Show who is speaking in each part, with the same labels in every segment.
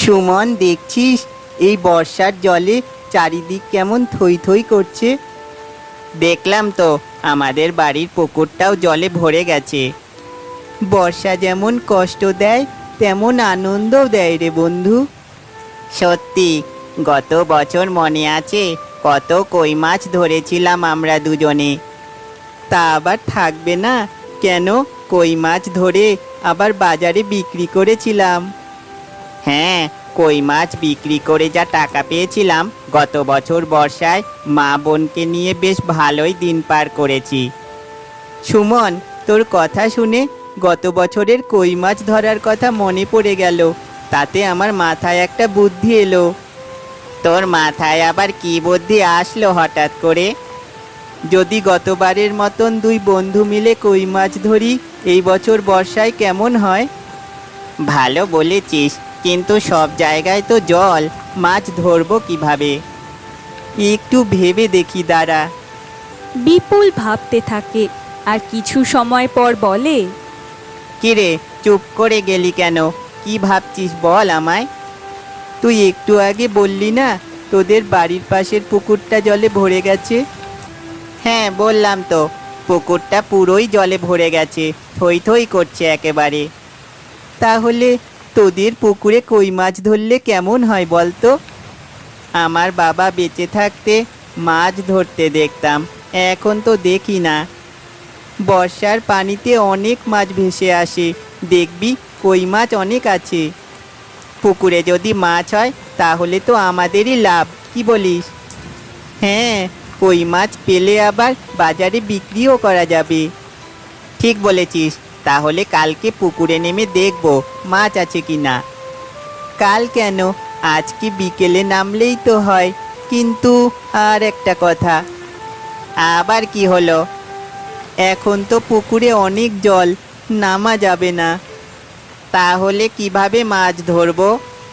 Speaker 1: সুমন, দেখছিস এই বর্ষার জলে চারিদিক কেমন থই থই করছে? দেখলাম তো, আমাদের বাড়ির পুকুরটাও জলে ভরে গেছে। বর্ষা যেমন কষ্ট দেয় তেমন আনন্দও দেয় রে বন্ধু। সত্যি, গত বছর মনে আছে কত কই মাছ ধরেছিলাম আমরা দুজনে? তা আবার থাকবে না কেন? কই মাছ ধরে আবার বাজারে বিক্রি করেছিলাম। হ্যাঁ, কই মাছ বিক্রি করে যা টাকা পেয়েছিলাম, গত বছর বর্ষায় মা বোনকে নিয়ে বেশ ভালোই দিন পার করেছি। সুমন, তোর কথা শুনে গত বছরের কই মাছ ধরার কথা মনে পড়ে গেল। তাতে আমার মাথায় একটা বুদ্ধি এলো। তোর মাথায় আবার কি বুদ্ধি আসলো হঠাৎ করে? যদি গতবারের মতন দুই বন্ধু মিলে কই মাছ ধরি এই বছর বর্ষায় কেমন হয়? ভালো বলেছিস, কিন্তু সব জায়গায় তো জল, মাছ ধরবো কিভাবে? একটু ভেবে দেখি, দাঁড়া।
Speaker 2: বিপুল ভাবতে থাকে আর কিছু সময় পর বলে,
Speaker 1: কিরে, চুপ করে গেলি কেন? কি ভাবছিস বল আমায়। তুই একটু আগে বললি না তোদের বাড়ির পাশের পুকুরটা জলে ভরে গেছে? হ্যাঁ, বললাম তো, পুকুরটা পুরোই জলে ভরে গেছে, থই থই করছে একেবারে। তাহলে তোদের পুকুরে কই মাছ ধরলে কেমন হয় বলতো? আমার বাবা বেঁচে থাকতে মাছ ধরতে দেখতাম, এখন তো দেখি না। বর্ষার পানিতে অনেক মাছ ভেসে আসে, দেখবি কই মাছ অনেক আছে। পুকুরে যদি মাছ হয় তাহলে তো আমাদেরই লাভ, কি বলিস? হ্যাঁ, কই মাছ পেলে আবার বাজারে বিক্রিও করা যাবে। ঠিক বলেছিস, তাহলে কালকে পুকুরে নেমে দেখব মাছ আছে কি না। কাল কেন, আজকে বিকেলে নামলেই তো হয়। কিন্তু আর একটা কথা। আবার কি হলো? এখন তো পুকুরে অনেক জল, নামা যাবে না। তাহলে কিভাবে মাছ ধরবো?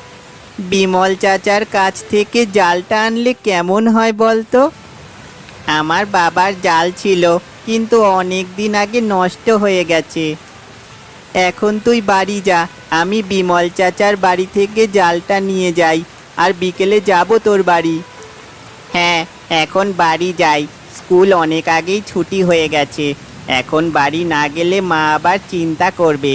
Speaker 1: বিমল চাচার কাছ থেকে জালটা আনলে কেমন হয় বলতো? আমার বাবার জাল ছিল, কিন্তু অনেক দিন আগে নষ্ট হয়ে গেছে। এখন তুই বাড়ি যা, আমি বিমল চাচার বাড়ি থেকে জালটা নিয়ে যাই, আর বিকেলে যাব তোর বাড়ি। হ্যাঁ, এখন বাড়ি যাই, স্কুল অনেক আগেই ছুটি হয়ে গেছে। এখন বাড়ি না গেলে মা আবার চিন্তা করবে।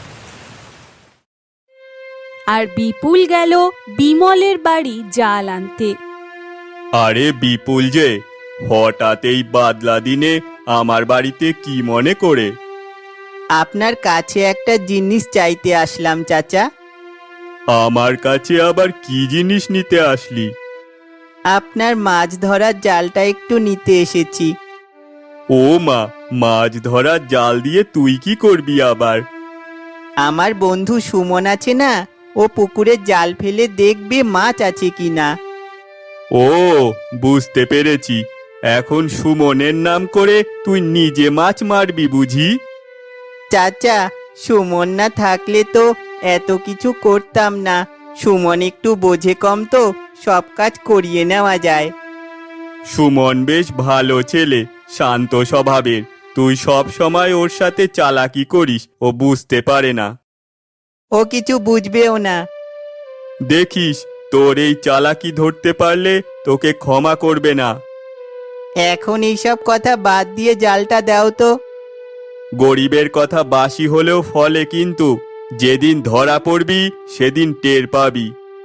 Speaker 2: আর বিপুল গেল বিমলের বাড়ি জাল আনতে।
Speaker 3: আরে বিপুল যে, হঠাৎ এই বাদলা দিনে আমার বাড়িতে কি মনে করে?
Speaker 1: আপনার কাছে একটা জিনিস চাইতে আসলাম চাচা।
Speaker 3: আমার কাছে আবার কি জিনিস নিতে আসলি?
Speaker 1: আপনার মাছ ধরার জালটা একটু নিতে এসেছি।
Speaker 3: ও মা, মাছ ধরার জাল দিয়ে তুই কি করবি আবার?
Speaker 1: আমার বন্ধু সুমন আছে না, ও পুকুরে জাল ফেলে দেখবে মাছ আছে কিনা।
Speaker 3: ও, বুঝতে পেরেছি। এখন সুমনের নাম করে তুই নিজে মাছ মারবি বুঝি?
Speaker 1: চাচা, সুমন না থাকলে তো এত কিছু করতাম না। সুমন একটু বোঝে কম তো, সব কাজ করিয়ে নেওয়া যায়।
Speaker 3: সুমন বেশ ভালো ছেলে, শান্ত স্বভাবের। তুই সব সময় ওর সাথে চালাকি করিস, ও বুঝতে পারে না।
Speaker 1: ও কিছু বুঝবেও না।
Speaker 3: দেখিস, তোর এই চালাকি ধরতে পারলে তোকে ক্ষমা করবে না।
Speaker 1: এখন এইসব কথা বাদ দিয়ে জালটা দাও তো।
Speaker 3: গরিবের কথা বাসি হলেও ফলে, কিন্তু যেদিন ধরা পড়বি সেদিন টের পাবি।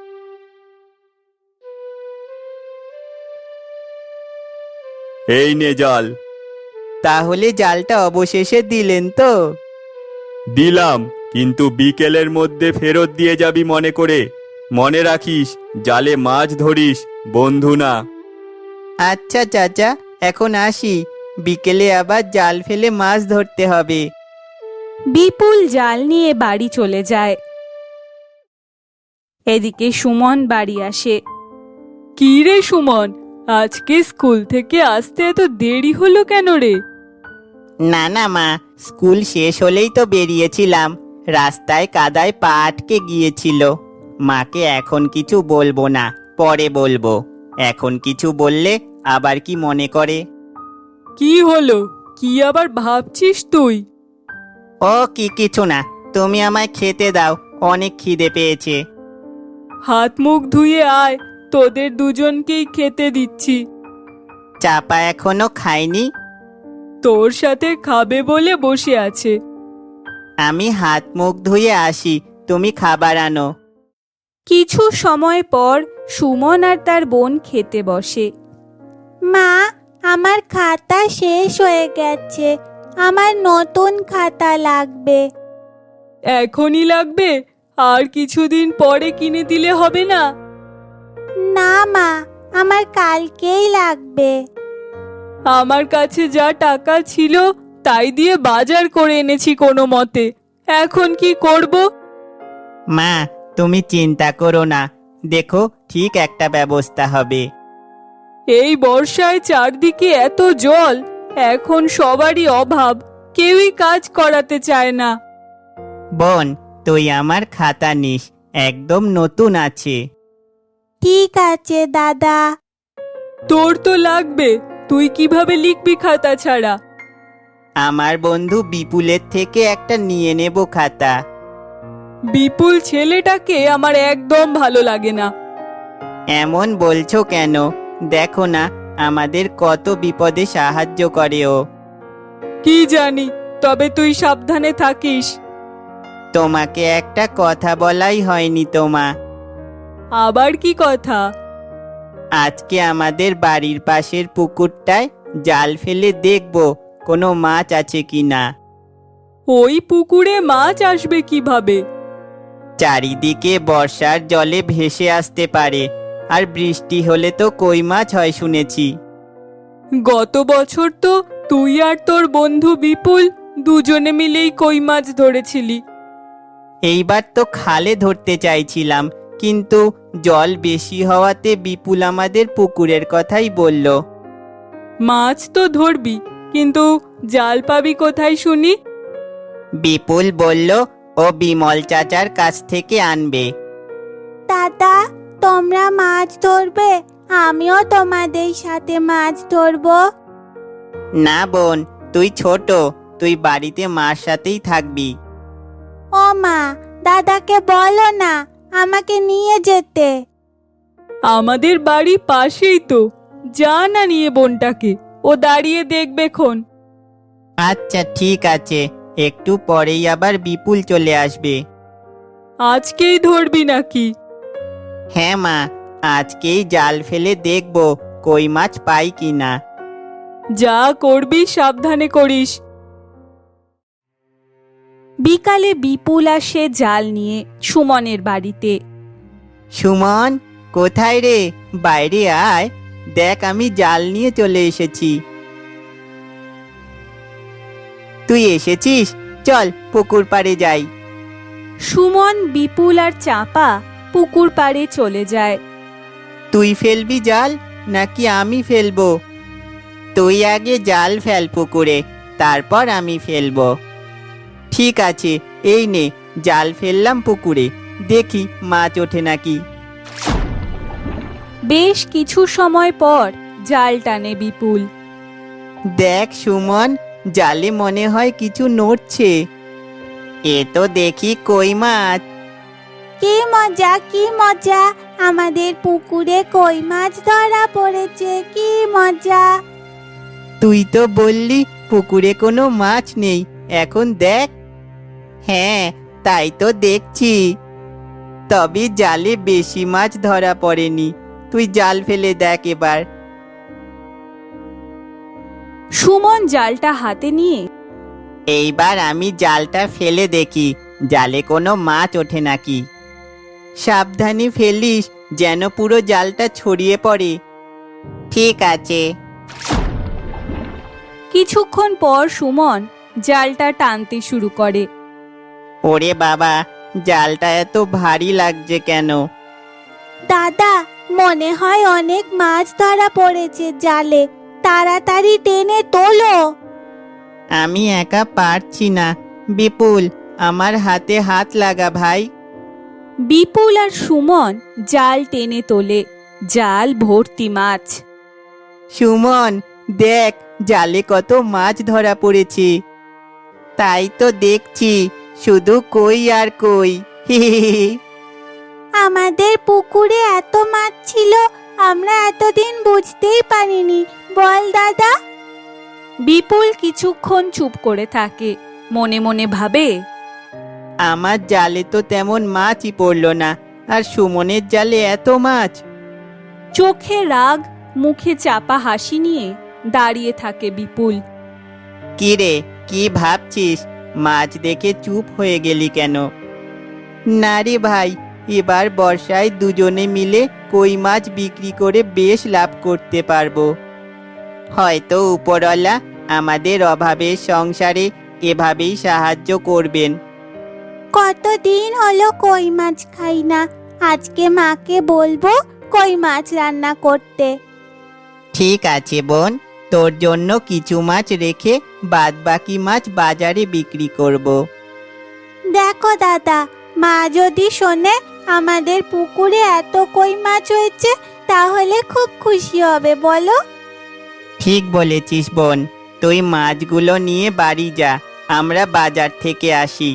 Speaker 3: এই নে জাল।
Speaker 1: তাহলে জালটা অবশেষে দিলেন তো?
Speaker 3: দিলাম, কিন্তু বিকেলের মধ্যে ফেরত দিয়ে যাবি মনে করে। মনে রাখিস, জালে মাছ ধরিস, বন্ধু না।
Speaker 1: আচ্ছা চাচা, এখন আসি, বিকেলে আবার জাল ফেলে মাছ ধরতে হবে।
Speaker 2: বিপুল জাল নিয়ে বাড়ি চলে যায়। এদিকে সুমন বাড়ি আসে। কি রে সুমন, আজকে স্কুল থেকে আসতে এত দেরি হলো কেন রে?
Speaker 1: না না মা, স্কুল শেষ হলেই তো বেরিয়েছিলাম। রাস্তায় কাদায় পা আটকে গিয়েছিল। মাকে এখন কিছু বলবো না, পরে বলবো। এখন কিছু বললে আবার কি মনে করে?
Speaker 2: কি হলো, কি আবার ভাবছিস তুই?
Speaker 1: ও কিছু না, তুমি আমায় খেতে দাও, অনেক খিদে পেয়েছে।
Speaker 2: হাত মুখ ধুয়ে আয়, তোদের দুজনকেই খেতে দিচ্ছি।
Speaker 1: চাপা এখনো খায়নি?
Speaker 2: তোর সাথে খাবে বলে বসে আছে।
Speaker 1: আমি হাত মুখ ধুয়ে আসি, তুমি খাবার আনো।
Speaker 2: কিছু সময় পর সুমন আর তার বোন খেতে বসে।
Speaker 4: মা, আমার খাতা শেষ হয়ে গেছে, আমার নতুন খাতা লাগবে।
Speaker 2: এখনই লাগবে? আর কিছুদিন পরে কিনে দিলে হবে না?
Speaker 4: না মা, আমার কালকেই লাগবে।
Speaker 2: আমার কাছে যা টাকা ছিল তাই দিয়ে বাজার করে এনেছি কোনো মতে, এখন কি করব?
Speaker 1: মা, তুমি চিন্তা করো না, দেখো ঠিক একটা ব্যবস্থা হবে।
Speaker 2: এই বর্ষায় চারদিকে এত জল, এখন সবারই অভাব, কেউই কাজ করাতে চায় না।
Speaker 1: বোন, তুই আমার খাতা নিস, একদম নতুন আছে।
Speaker 4: ঠিক আছে দাদা।
Speaker 2: তোর তো লাগবে, তুই কিভাবে লিখবি খাতা ছাড়া?
Speaker 1: আমার বন্ধু বিপুলের থেকে একটা নিয়ে নেব খাতা।
Speaker 2: বিপুল ছেলেটাকে আমার একদম ভালো লাগে না।
Speaker 1: এমন বলছো কেন? দেখো না, আমাদের কত বিপদে সাহায্য করে ও।
Speaker 2: কি জানি, তবে তুই সাবধানে থাকিস।
Speaker 1: তোমাকে একটা কথা বলাই হয়নি তোমা।
Speaker 2: আবার কি কথা?
Speaker 1: আজকে আমাদের বাড়ির পাশের পুকুরটায় জাল ফেলে দেখব কোনো মাছ আছে কিনা।
Speaker 2: ওই পুকুরে মাছ আসবে কিভাবে?
Speaker 1: চারিদিকে বর্ষার জলে ভেসে আসতে পারে, আর বৃষ্টি হলে তো কই মাছ হয় শুনেছি।
Speaker 2: গত বছর তো তুই আর তোর বন্ধু বিপুল দুজনে মিলেই কই মাছ ধরেছিলি।
Speaker 1: এইবার তো খালে ধরতে চাইছিলাম, কিন্তু জল বেশি হওয়াতে বিপুল আমাদের পুকুরের কথাই বলল।
Speaker 2: মাছ তো ধরবি, কিন্তু জাল পাবি কোথায় শুনি?
Speaker 1: বিপুল বলল ও বিমল চাচার কাছ থেকে আনবে।
Speaker 4: দাদা, তোমরা মাছ ধরবে? আমিও তোমাদের সাথে মাছ ধরবো।
Speaker 1: না বোন, তুই ছোট, তুই বাড়িতে মার সাথেই থাকবি।
Speaker 4: ও মা, দাদাকে বলো না আমাকে নিয়ে যেতে।
Speaker 2: আমাদের বাড়ি পাশেই তো, যা না নিয়ে বোনটাকে, ও দাঁড়িয়ে দেখবে খন।
Speaker 1: আচ্ছা ঠিক আছে, একটু পরেই আবার বিপুল চলে আসবে।
Speaker 2: আজকেই ধরবি নাকি?
Speaker 1: হ্যাঁ মা, আজকেই জাল ফেলে দেখব কই মাছ পাই কিনা।
Speaker 2: যা করবি সাবধানে করিস। বিকালে বিপুল আসে জাল নিয়ে সুমনের বাড়িতে।
Speaker 1: সুমন, কোথায় রে? বাইরে আয়, দেখ আমি জাল নিয়ে চলে এসেছি। তুই এসেছিস? চল পুকুর পাড়ে যাই।
Speaker 2: সুমন, বিপুল আর চাপা পুকুর পাড়ে চলে যায়।
Speaker 1: তুই ফেলবি জাল নাকি আমি ফেলবো? তুই আগে জাল ফেল পুকুরে, তারপর আমি ফেলবো। ঠিক আছে, এই নে জাল ফেললাম পুকুরে, দেখি মাছ ওঠে নাকি।
Speaker 2: বেশ কিছু সময় পর জাল টানে বিপুল।
Speaker 1: দেখ সুমন, জালে মনে হয় কিছু নড়ছে। এ তো দেখি কই মাছ।
Speaker 4: কি মজা, কি মজা, আমাদের পুকুরে কই মাছ ধরা পড়েছে, কি মজা।
Speaker 1: তুই তো বললি পুকুরে কোনো মাছ নেই, এখন দেখ। হ্যাঁ, তাই তো দেখছি, তবে জালে বেশি মাছ ধরা পড়েনি। তুই জাল ফেলে দেখ এবার।
Speaker 2: সুমন জালটা হাতে নিয়ে
Speaker 1: এইবার আমি জালটা ফেলে দেখি জালে কোনো মাছ ওঠে নাকি। সাবধানে ফেলিস, যেন পুরো জালটা ছড়িয়ে পড়ে। ঠিক আছে।
Speaker 2: কিছুক্ষণ পর সুমন জালটা টানতে শুরু করে।
Speaker 1: ওরে বাবা, জালটা এত ভারী লাগছে কেন?
Speaker 4: দাদা, মনে হয় অনেক মাছ ধরা পড়েছে জালে, তাড়াতাড়ি টেনে তোলো।
Speaker 1: আমি একা পারছি না, বিপুল আমার হাতে হাত লাগা ভাই।
Speaker 2: বিপুল আর সুমন জাল টেনে তোলে, জাল ভর্তি মাছ।
Speaker 1: সুমন, দেখ জালে কত মাছ ধরা পড়েছে। তাই তো দেখছি, শুধু কই আর কই।
Speaker 4: আমাদের পুকুরে এত মাছ ছিল, আমরা এতদিন বুঝতেই পারিনি, বল দাদা?
Speaker 2: বিপুল কিছুক্ষণ চুপ করে থাকে, মনে মনে ভাবে,
Speaker 1: আমার জালে তো তেমন মাছই পড়লো না, আর সুমনের জালে এত মাছ।
Speaker 2: চোখে রাগ, মুখে চাপা হাসি নিয়ে দাঁড়িয়ে থাকে বিপুল।
Speaker 1: কি রে, কি ভাবছিস? মাছ দেখে চুপ হয়ে গেলি কেন? না রে ভাই, এবার বর্ষায় দুজনে মিলে কই মাছ বিক্রি করে বেশ লাভ করতে পারবো। হয়তো উপরওয়ালা আমাদের অভাবের সংসারে এভাবেই সাহায্য করবেন।
Speaker 4: কতদিন হলো কই মাছ খাই না, আজকে মাকে বলবো কই মাছ রান্না করতে।
Speaker 1: ঠিক আছে বোন, তোর জন্য কিছু মাছ রেখে বাদবাকি মাছ বাজারে বিক্রি করব।
Speaker 4: দেখো দাদা, মা যদি শোনে আমাদের পুকুরে এত কই মাছ হয়েছে, তাহলে খুব খুশি হবে, বলো?
Speaker 1: ঠিক বলেছিস বোন, তুই মাছগুলো নিয়ে বাড়ি যা, আমরা বাজার থেকে আসি।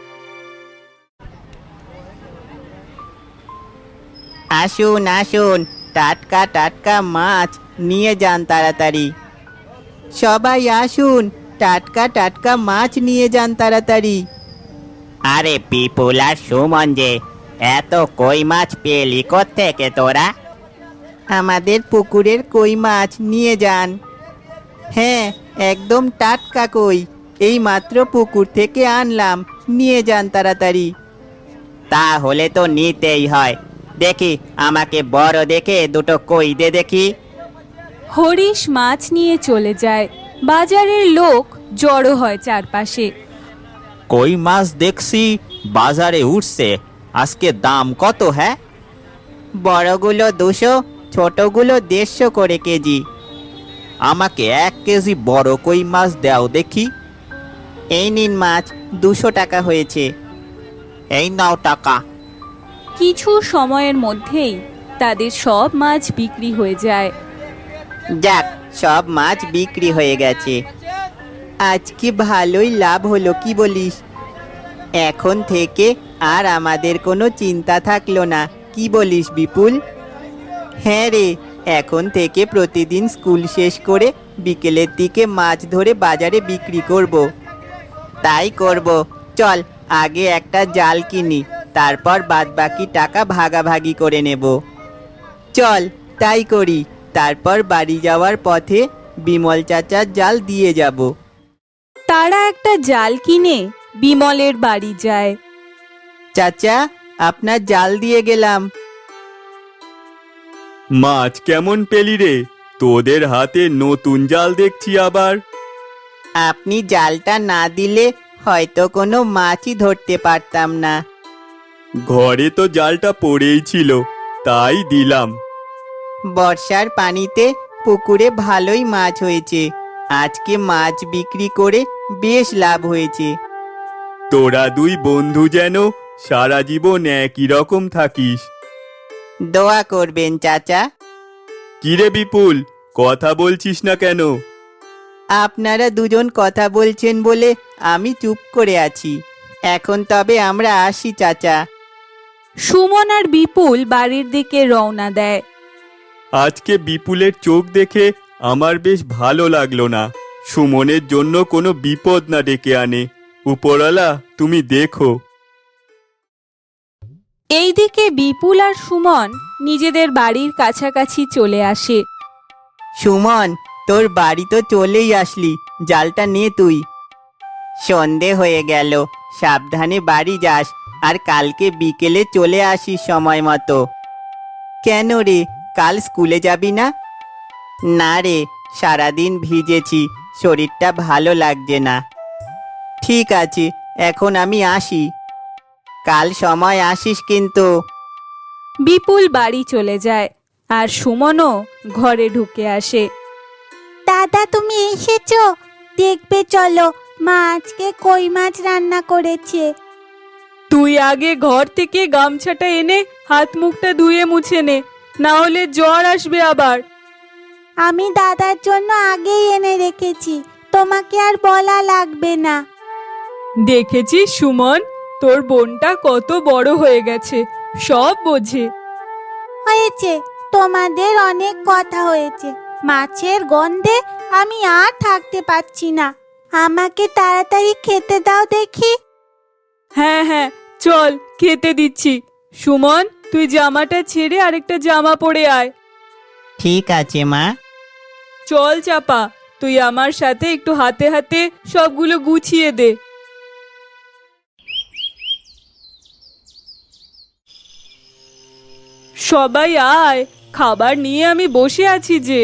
Speaker 1: আসুন আসুন, টাটকা টাটকা মাছ নিয়ে যান তাড়াতাড়ি। সবাই আসুন, টাটকা টাটকা মাছ নিয়ে যান তাড়াতাড়ি। আরে বিপুল আর সুমন যে, এত কই মাছ পেলি কোত্থেকে তোরা? আমাদের পুকুরের কই মাছ নিয়ে যান। হ্যাঁ, একদম টাটকা কই, এই মাত্র পুকুর থেকে আনলাম, নিয়ে যান তাড়াতাড়ি। তাহলে তো নিতেই হয়। দেখি, আমাকে বড় দেখে দুটো কই দে দেখি।
Speaker 2: হরিশ মাছ নিয়ে চলে যায়। বাজারের লোক জড়ো হয় চারপাশে।
Speaker 3: কই মাছ দেখছি বাজারে উঠছে, আজকে দাম কত? হ্যাঁ,
Speaker 1: বড়গুলো 200, ছোটগুলো 150 করে কেজি।
Speaker 3: আমাকে 1 কেজি বড় কই মাছ দাও দেখি।
Speaker 1: এই নিন মাছ, 200 টাকা হয়েছে।
Speaker 3: এই নাও টাকা।
Speaker 2: কিছু সময়ের মধ্যেই তাদের সব মাছ বিক্রি হয়ে যায়।
Speaker 1: যাক, সব মাছ বিক্রি হয়ে গেছে। আজকে ভালোই লাভ হলো, কি বলিস? এখন থেকে আর আমাদের কোনো চিন্তা থাকলো না, কি বলিস বিপুল? হ্যাঁ রে, এখন থেকে প্রতিদিন স্কুল শেষ করে বিকেলের দিকে মাছ ধরে বাজারে বিক্রি করব। তাই করব, চল আগে একটা জাল কিনি, তারপর বাদবাকি টাকা ভাগাভাগি করে নেব। চল তাই করি, তারপর বাড়ি যাওয়ার পথে বিমল চাচার জাল দিয়ে যাব।
Speaker 2: তারা একটা জাল কিনে বিমলের বাড়ি যায়।
Speaker 1: চাচা, আপনার জাল দিয়ে গেলাম।
Speaker 3: মাছ কেমন পেলি রে? তোদের হাতে নতুন জাল দেখছি আবার।
Speaker 1: আপনি জালটা না দিলে হয়তো কোনো মাছই ধরতে পারতাম না।
Speaker 3: ঘরে তো জালটা পড়েই ছিল, তাই দিলাম।
Speaker 1: বর্ষার পানিতে পুকুরে ভালোই মাছ হয়েছে, আজকে মাছ বিক্রি করে বেশ লাভ হয়েছে।
Speaker 3: তোরা দুই বন্ধু যেন সারা জীবন একই রকম থাকিস।
Speaker 1: দোয়া করবেন চাচা।
Speaker 3: কিরে বিপুল, কথা বলছিস না কেন?
Speaker 1: আপনারা দুজন কথা বলছেন বলে আমি চুপ করে আছি। এখন তবে আমরা আসি চাচা।
Speaker 2: সুমন আর বিপুল বাড়ির দিকে রওনা দেয়।
Speaker 3: আজকে বিপুলের চোখ দেখে আমার বেশ ভালো লাগলো না। সুমনের জন্য কোনো বিপদ না ডেকে আনে। উপরওয়ালা, তুমি দেখো।
Speaker 2: এইদিকে বিপুল আর সুমন নিজেদের বাড়ির কাছাকাছি চলে আসে।
Speaker 1: সুমন, তোর বাড়ি তো চলেই আসলি, জালটা নে তুই। সন্ধে হয়ে গেল, সাবধানে বাড়ি যাস, আর কালকে বিকেলে চলে আসিস সময় মতো। কেন রে, কাল স্কুলে যাবি না? না রে, সারাদিন ভিজেছি, শরীরটা ভালো লাগছে না। ঠিক আছে, এখন আমি আসি। কাল সময় আসিস কিন্তু।
Speaker 2: বিপুল বাড়ি চলে যায় আর সুমনও ঘরে ঢুকে আসে।
Speaker 4: দাদা, তুমি এসেছো? দেখবে চলো, মা আজকে কই মাছ রান্না করেছে।
Speaker 2: তুই আগে ঘর থেকে গামছাটা এনে হাত মুখটা ধুয়ে মুছে নে, না হলে জ্বর আসবে আবার।
Speaker 4: আমি দাদার জন্য আগেই এনে রেখেছি, তোমাকে আর বলা লাগবে না।
Speaker 2: দেখেছিস সুমন, তোর বোনটা কত বড় হয়ে গেছে, সব বোঝে।
Speaker 4: হয়েছে, তোমাদের অনেক কথা হয়েছে। মাছের গন্ধে আমি আর থাকতে পারছি না। আমাকে তাড়াতাড়ি খেতে দাও দেখি।
Speaker 2: হ্যাঁ হ্যাঁ, চল খেতে দিচ্ছি। সুমন, তুই জামাটা ছেড়ে আরেকটা জামা পরে আয়।
Speaker 1: ঠিক আছে মা।
Speaker 2: চল চাপা, তুই আমার সাথে একটু হাতে হাতে সবগুলো গুছিয়ে দে। সবাই আয়, খাবার নিয়ে আমি বসে আছি যে।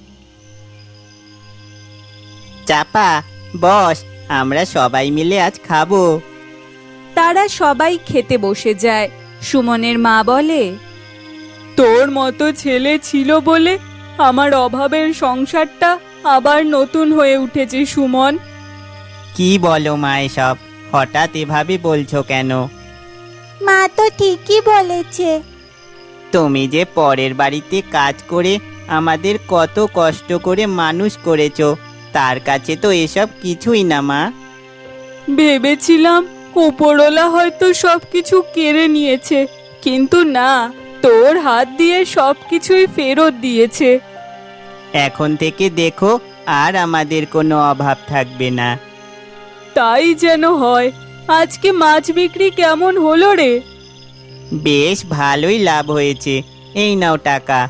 Speaker 1: চাপা, বস, আমরা সবাই মিলে আজ খাবো।
Speaker 2: তারা সবাই খেতে বসে যায়। সুমনের মা বলে, তোর মতো ছেলে ছিল বলে আমার অভাবের সংসারটা আবার নতুন হয়ে উঠেছে সুমন।
Speaker 1: কি বলো মা এসব? হঠাৎ এভাবে বলছো কেন?
Speaker 4: মা তো ঠিকই বলেছে।
Speaker 1: তুমি যে পরের বাড়িতে কাজ করে আমাদের কত কষ্ট করে মানুষ করেছো, তার কাছে তো এসব কিছুই না মা।
Speaker 2: ভেবেছিলাম উপরওয়ালা হয়তো সবকিছু কেড়ে নিয়েছে, কিন্তু না, তোর হাত দিয়ে সবকিছুই ফেরত দিয়েছে।
Speaker 1: এখন থেকে দেখো, আর আমাদের কোনো অভাব থাকবে না।
Speaker 2: তাই যেন হয়। আজকে মাছ বিক্রি কেমন হলো রে?
Speaker 1: বেশ ভালোই লাভ হয়েছে। এই নাও টাকা।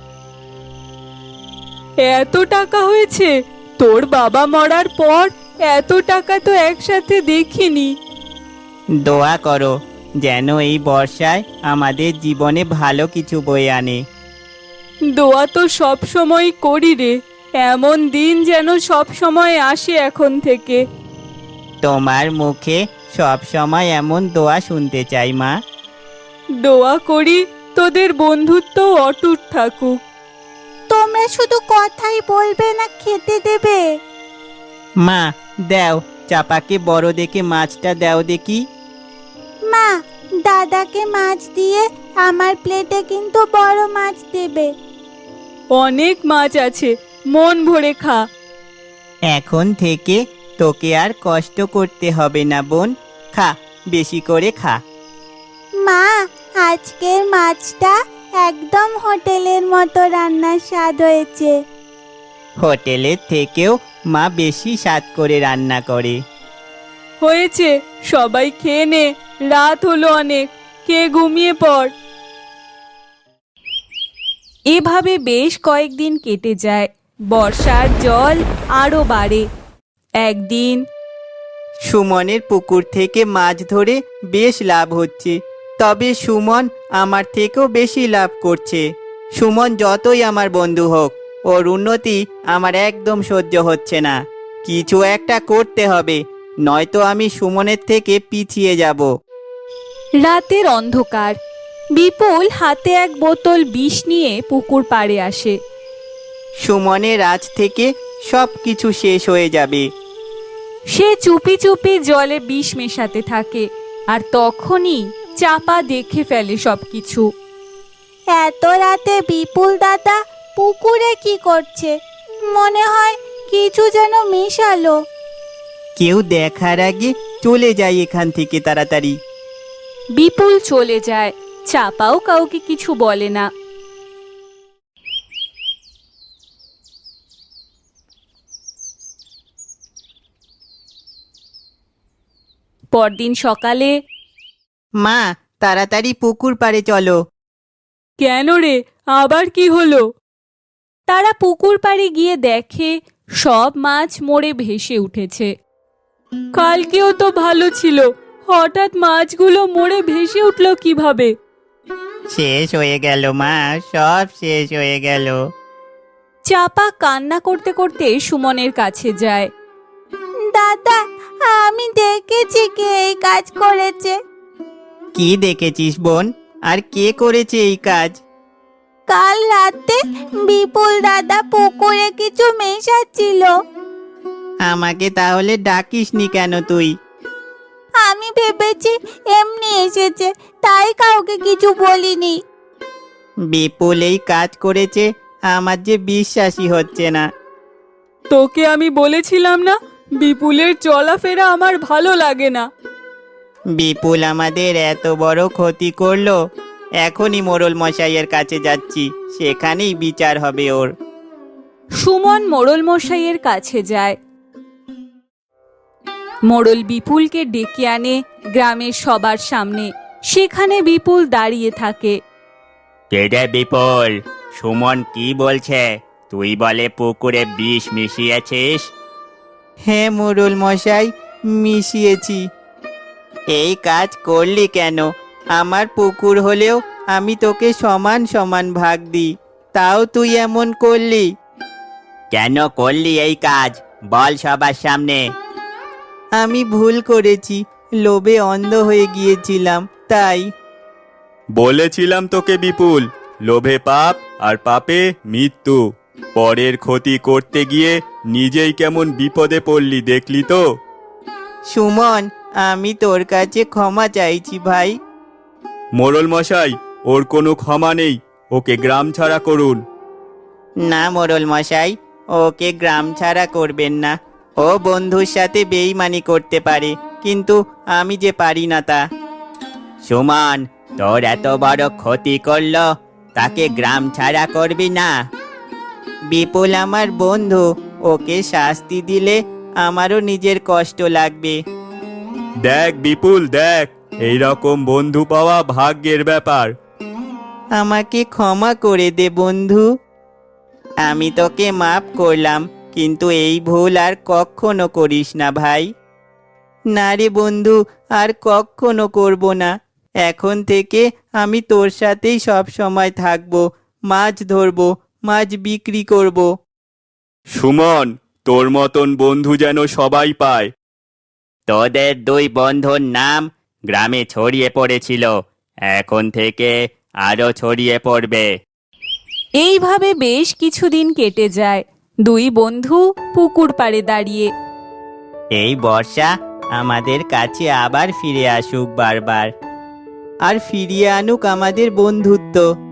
Speaker 2: এত টাকা হয়েছে? তোর বাবা মরার পর এত টাকা তো একসাথে দেখিনি।
Speaker 1: দোয়া করো যেন এই বর্ষায় আমাদের জীবনে ভালো কিছু বয়ে আনে।
Speaker 2: দোয়া তো সব সময় করি রে, এমন দিন যেন সব সময় আসে এখন থেকে।
Speaker 1: তোমার মুখে সব সময় এমন দোয়া শুনতে চাই মা।
Speaker 2: দোয়া করি তোদের বন্ধুত্ব অটুট থাকুক।
Speaker 4: তোমরা শুধু কথাই বলবে না, খেতে দেবে?
Speaker 1: মা, দাও, চাপাকে বড় দেখে মাছটা দাও দেখি।
Speaker 4: মা, দাদাকে মাছ দিয়ে আমার প্লেটে কিন্তু বড় মাছ দেবে।
Speaker 2: অনেক মাছ আছে, মন ভরে খা।
Speaker 1: এখন থেকে তোকে আর কষ্ট করতে হবে না বোন। খা, বেশি করে খা।
Speaker 4: মা, আজকের মাছটা একদম হোটেলের মতো রান্নার স্বাদ হয়েছে।
Speaker 1: হোটেলের থেকেও মা বেশি স্বাদ করে রান্না করে।
Speaker 2: হয়েছে, সবাই খেয়ে নে, রাত হলো অনেক, কে ঘুমিয়ে পড়। এভাবে বেশ কয়েকদিন কেটে যায়। বর্ষার জল আরো বাড়ে। একদিন
Speaker 1: সুমনের পুকুর থেকে মাছ ধরে বেশ লাভ হচ্ছে, তবে সুমন আমার থেকেও বেশি লাভ করছে। সুমন যতই আমার বন্ধু হোক, ওর উন্নতি আমার একদম সহ্য হচ্ছে না। কিছু একটা করতে হবে, নয়তো আমি সুমনের থেকে পিছিয়ে যাব।
Speaker 2: রাতের অন্ধকার। বিপুল হাতে এক বোতল বিষ নিয়ে পুকুর পাড়ে আসে।
Speaker 1: সুমনের আজ থেকে সব কিছু শেষ হয়ে যাবে।
Speaker 2: সে চুপি চুপি জলে বিষ মেশাতে থাকে, আর তখনই চাপা দেখে ফেলে সবকিছু।
Speaker 4: এত রাতে বিপুল দাদা পুকুরে কি করছে? মনে হয় কিছু যেন মেশালো।
Speaker 1: কেউ দেখার আগে চলে যায় এখান থেকে তাড়াতাড়ি।
Speaker 2: বিপুল চলে যায়। চাপাও কাউকে কিছু বলে না। পরদিন সকালে,
Speaker 1: মা, তাড়াতাড়ি পুকুর পাড়ে চলো।
Speaker 2: কেন রে, আবার কি হলো? তারা পুকুর পাড়ে গিয়ে দেখে সব মাছ মরে ভেসে উঠেছে। কালকেও তো ভালো ছিল, হঠাৎ মাছগুলো মরে ভেসে উঠলো কিভাবে?
Speaker 1: শেষ হয়ে গেল মা, সব শেষ হয়ে গেল।
Speaker 2: চাপা কান্না করতে করতে সুমনের কাছে যায়।
Speaker 4: দাদা, আমি দেখেছি কে এই কাজ করেছে।
Speaker 1: কি দেখেছিস বোন? আর কে করেছে এই কাজ?
Speaker 4: কাল রাতে বিপুল দাদা পুকুরে কিছু মেশাচ্ছিল।
Speaker 1: আমাকে তাহলে ডাকিসনি কেন তুই?
Speaker 4: আমি ভেবেছি এমনি এসেছে, তাই কাউকে কিছু বলিনি।
Speaker 1: বিপুল এই কাজ করেছে, আমার যে বিশ্বাসই হচ্ছে না।
Speaker 2: তোকে আমি বলেছিলাম না, বিপুলের চলাফেরা আমার ভালো লাগে না।
Speaker 1: বিপুল আমাদের এত বড় ক্ষতি করলো, এখনই মোড়ল মশাইয়ের কাছে যাচ্ছি, সেখানেই বিচার হবে ওর।
Speaker 2: সুমন মোড়ল মশাইয়ের কাছে যায়। মোড়ল বিপুলকে ডেকে আনে গ্রামের সবার সামনে। সেখানে বিপুল দাঁড়িয়ে থাকে।
Speaker 1: কেডে বিপুল, সুমন কি বলছে? তুই বলে পুকুরে বিষ মিশিয়েছিস? হ্যাঁ মোড়ল মশাই, মিশিয়েছি। এই কাজ করলি কেন? আমার পুকুর হলেও আমি তোকে সমান সমান ভাগ দিই, তাও তুই এমন করলি কেন? করলি এই কাজ বল সবার সামনে। আমি ভুল করেছি, লোভে অন্ধ হয়ে গিয়েছিলাম, তাই।
Speaker 3: বলেছিলাম তোকে বিপুল, লোভে পাপ আর পাপে মৃত্যু। পরের ক্ষতি করতে গিয়ে নিজেই কেমন বিপদে পড়লি দেখলি তো।
Speaker 1: সুমন, আমি তোর কাছে ক্ষমা চাইছি ভাই।
Speaker 3: মোড়ল মশাই, ওর কোনো ক্ষমা নেই, ওকে গ্রাম ছাড়া করুন।
Speaker 1: না মোড়ল মশাই, ওকে গ্রাম ছাড়া করবেন না। ও বন্ধুর সাথে বেইমানি করতে পারে, কিন্তু আমি যে পারি না তা। সুমন, তোর এত বড় ক্ষতি করলো, তাকে গ্রাম ছাড়া করবি না? বিপুল আমার বন্ধু, ওকে শাস্তি দিলে আমারও নিজের কষ্ট লাগবে।
Speaker 3: দেখ বিপুল দেখ, এই রকম বন্ধু পাওয়া ভাগ্যের ব্যাপার।
Speaker 1: আমাকে ক্ষমা করে দে বন্ধু। আমি তোকে মাফ করলাম, কিন্তু এই ভুল আর কখনো করিস না ভাই। না রে বন্ধু, আর কখনো করব না। এখন থেকে আমি তোর সাথেই সব সময় থাকবো, মাছ ধরবো, মাছ বিক্রি করব।
Speaker 3: সুমন, তোর মতন বন্ধু যেন সবাই পায়।
Speaker 1: তোদের দুই বন্ধুর নাম গ্রামে ছড়িয়ে পড়েছিল, এখন থেকে আরো ছড়িয়ে পড়বে।
Speaker 2: এইভাবে বেশ কিছুদিন কেটে যায়। দুই বন্ধু পুকুর পাড়ে দাঁড়িয়ে।
Speaker 1: এই বর্ষা আমাদের কাছে আবার ফিরে আসুক বারবার, আর ফিরিয়ে আনুক আমাদের বন্ধুত্ব।